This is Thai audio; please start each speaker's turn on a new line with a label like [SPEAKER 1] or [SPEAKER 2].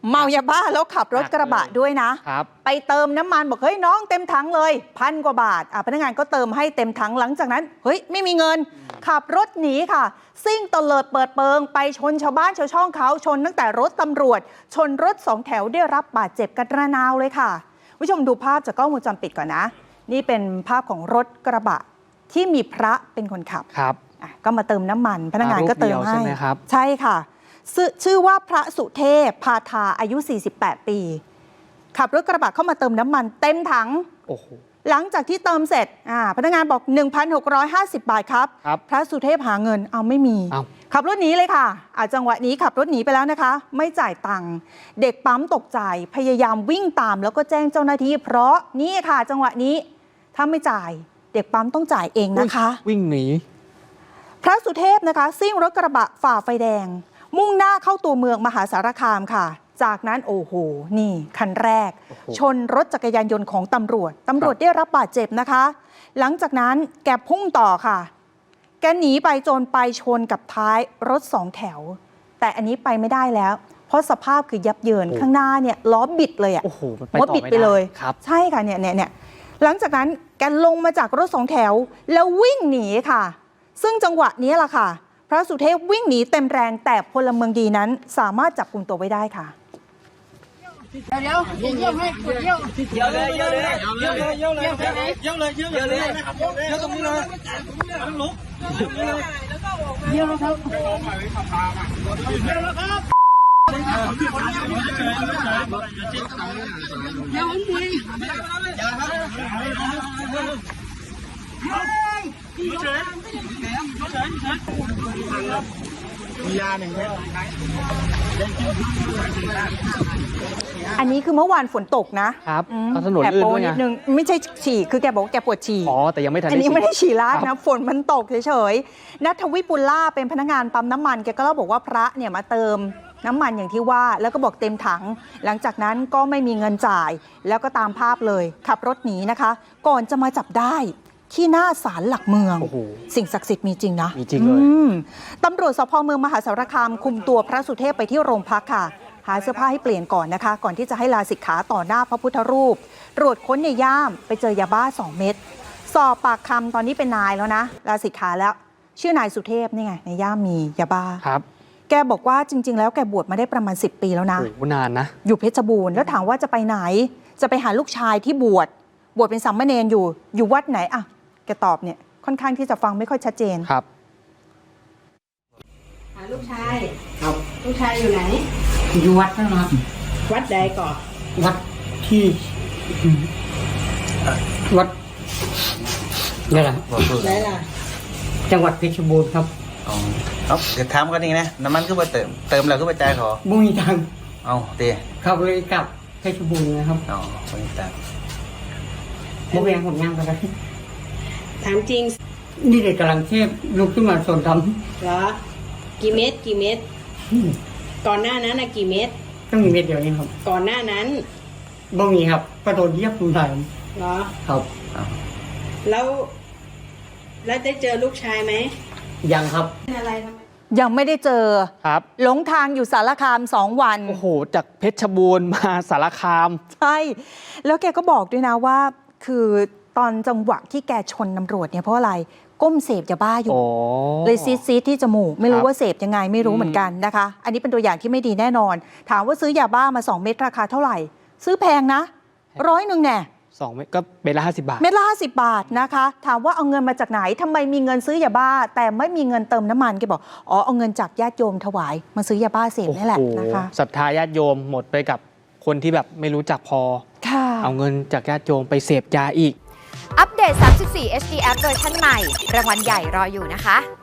[SPEAKER 1] เมายาบ้าแล้วขับรถกระบะด้วยนะครับไปเติมน้ำมันบอกเฮ้ยน้องเต็มถังเลย1,000 กว่าบาทพนักงานก็เติมให้เต็มถังหลังจากนั้นเฮ้ยไม่มีเงินขับรถหนีค่ะซิ่งตะเลิดเปิดเปิงไปชนชาวบ้านชาวช่องเขาชนตั้งแต่รถตำรวจชนรถ2 แถวได้รับบาดเจ็บกันระนาวเลยค่ะผู้ชมดูภาพจากกล้องวงจรปิดก่อนนะนี่เป็นภาพของรถกระบะที่มีพระเป็นคนขับ
[SPEAKER 2] ครับ
[SPEAKER 1] ก็มาเติมน้ำมันพนักงานก็เติมให้ใช่ค่ะชื่อว่าพระสุเทพพาทาอายุ48 ปีขับรถกระบะเข้ามาเติมน้ำมันเต็มถังหลังจากที่เติมเสร็จพนักงานบอก 1,650 บาทครับพระสุเทพหาเงินเอาไม่มีขับรถหนีเลยค่ะจังหวะนี้ขับรถหนีไปแล้วนะคะไม่จ่ายตังค์เด็กปั๊มตกใจพยายามวิ่งตามแล้วก็แจ้งเจ้าหน้าที่เพราะนี่ค่ะจังหวะนี้ถ้าไม่จ่ายเด็กปั๊มต้องจ่ายเองนะคะ
[SPEAKER 2] วิ่งหนี
[SPEAKER 1] พระสุเทพนะคะซิ่งรถกระบะฝ่าไฟแดงมุ่งหน้าเข้าตัวเมืองมหาสารคามค่ะจากนั้นโอ้โหนี่คันแรกชนรถจักรยานยนต์ของตำรวจได้รับบาดเจ็บนะคะหลังจากนั้นแกพุ่งต่อค่ะแกหนีไปจนไปชนกับท้ายรถ2 แถวแต่อันนี้ไปไม่ได้แล้วเพราะสภาพคือยับเยินข้างหน้าเนี่ยล้อบิดเลย
[SPEAKER 2] รถ
[SPEAKER 1] บิดไปเลยใช่ค่ะเนี่ยหลังจากนั้นแกลงมาจากรถ2 แถวแล้ววิ่งหนีค่ะซึ่งจังหวะนี้ล่ะค่ะพระสุเทพวิ่งหนีเต็มแรงแต่พลเมืองดีนั้นสามารถจับกุมตัวไว้ได้ค่ะ
[SPEAKER 3] เดี๋ยวให้กดเยี่ยวเลยตรงนี้เลยต้องลุกเยี่ยวแล้วครับยาหนึ่ง
[SPEAKER 1] อันนี้คือเมื่อวานฝนตกนะครับ
[SPEAKER 2] ถนนลื่นด้วย
[SPEAKER 1] นิดนึงไม่ใช่ฉี่คือแกบอกว่าแกปวดฉี่
[SPEAKER 2] แต่ยังไม่ทัน
[SPEAKER 1] อันนี้ไม่ได้ฉี่ราดนะฝนมันตกเฉยๆณัฐวิปุลล่าเป็นพนักงานปั๊มน้ำมันแกก็เล่าบอกว่าพระเนี่ยมาเติมน้ำมันอย่างที่ว่าแล้วก็บอกเต็มถังหลังจากนั้นก็ไม่มีเงินจ่ายแล้วก็ตามภาพเลยขับรถหนีนะคะก่อนจะมาจับได้ที่หน้าศาลหลักเมืองสิ่งศักดิ์สิทธิ์มีจริงนะ
[SPEAKER 2] มีจริงเลย
[SPEAKER 1] ตำรวจสภ.เมืองมหาสารคามคุมตัวพระสุเทพไปที่โรงพักค่ะหาเสื้อผ้าให้เปลี่ยนก่อนนะคะก่อนที่จะให้ลาสิกขาต่อหน้าพระพุทธรูปตรวจค้นในย่ามไปเจอยาบ้า2 เม็ดสอบปากคำตอนนี้เป็นนายแล้วนะลาสิกขาแล้วชื่อนายสุเทพนี่ไงในย่ามมียาบ้า
[SPEAKER 2] ครับ
[SPEAKER 1] แกบอกว่าจริงๆแล้วแกบวชมาได้ประมาณ10 ปีแล้วนะ
[SPEAKER 2] นานนะ
[SPEAKER 1] อยู่เพชรบูรณ์แล้วถามว่าจะไปไหนจะไปหาลูกชายที่บวชเป็นสามเณรอยู่วัดไหนอ่ะแกตอบเนี่ยค่อนข้างที่จะฟังไม่ค่อยชัดเจน
[SPEAKER 2] ครับ
[SPEAKER 3] หาลูกชายครับลูกชายอยู่ไหน
[SPEAKER 4] อยู่วัดนะครับ
[SPEAKER 3] วัดใดก่อน
[SPEAKER 4] วัดที่วัดนี่แหละ
[SPEAKER 3] ไหนล่ะ
[SPEAKER 4] จังหวัดเพชรบูรณ์ครับ
[SPEAKER 5] ครับเดี๋ยวถามกันนี่นะน้ำมันก็ไปเติมแล้วก็ไปจ่ายเขา
[SPEAKER 4] บุญตัง
[SPEAKER 5] เอาเตะ
[SPEAKER 4] ขับเลยกลับเพชรบูรณ์นะครับ
[SPEAKER 5] บุญตัง
[SPEAKER 4] โมเบียงผมยังกัน
[SPEAKER 3] ถามจริง
[SPEAKER 4] นี่เด็กกำลังเทพลุกขึ้นมาส่วนท
[SPEAKER 3] ำเหรอกี่เม็ดก่อนหน้านั้นนะกี่เม็ด
[SPEAKER 4] ต้องมีเม็ดเดียวเองครับ
[SPEAKER 3] ก่อนหน้านั้น
[SPEAKER 4] บ่มีครับกระโดดเยียบคุณไทย
[SPEAKER 3] เหรอ
[SPEAKER 4] ครับ
[SPEAKER 3] แล้วได้เจอลูกชายไหม
[SPEAKER 4] ยังครับ
[SPEAKER 3] อะไร
[SPEAKER 1] ยังไม่ได้เจอ
[SPEAKER 2] ครับ
[SPEAKER 1] หลงทางอยู่สารคาม2 วัน
[SPEAKER 2] โอ้โหจากเพชรบูรณ์มาสารคาม
[SPEAKER 1] ใช่แล้วแกก็บอกด้วยนะว่าคือตอนจังหวะที่แกชนตำรวจเนี่ยเพราะอะไรก้มเสพยาบ้าอยู่เลยซีดที่จมูกไม่รู้ว่าเสพยังไงไม่รู้เหมือนกันนะคะอันนี้เป็นตัวอย่างที่ไม่ดีแน่นอนถามว่าซื้อยาบ้ามา2 เม็ดราคาเท่าไหร่ซื้อแพงนะ100แน่
[SPEAKER 2] 2 เม็ดก็เม็ดละ50 บาท
[SPEAKER 1] เม็ดละ50 บาทนะคะถามว่าเอาเงินมาจากไหนทำไมมีเงินซื้อยาบ้าแต่ไม่มีเงินเติมน้ำมันแกบอกเอาเงินจากญาติโยมถวายมาซื้อยาบ้าเสพนี่แหละนะคะ
[SPEAKER 2] ศรัทธาญาติโยมหมดไปกับคนที่แบบไม่รู้จักพอเอาเงินจากญาติโยมไปเสพยาอีก
[SPEAKER 6] อัปเดต34 HD App เวอร์ชันใหม่รางวัลใหญ่รออยู่นะคะ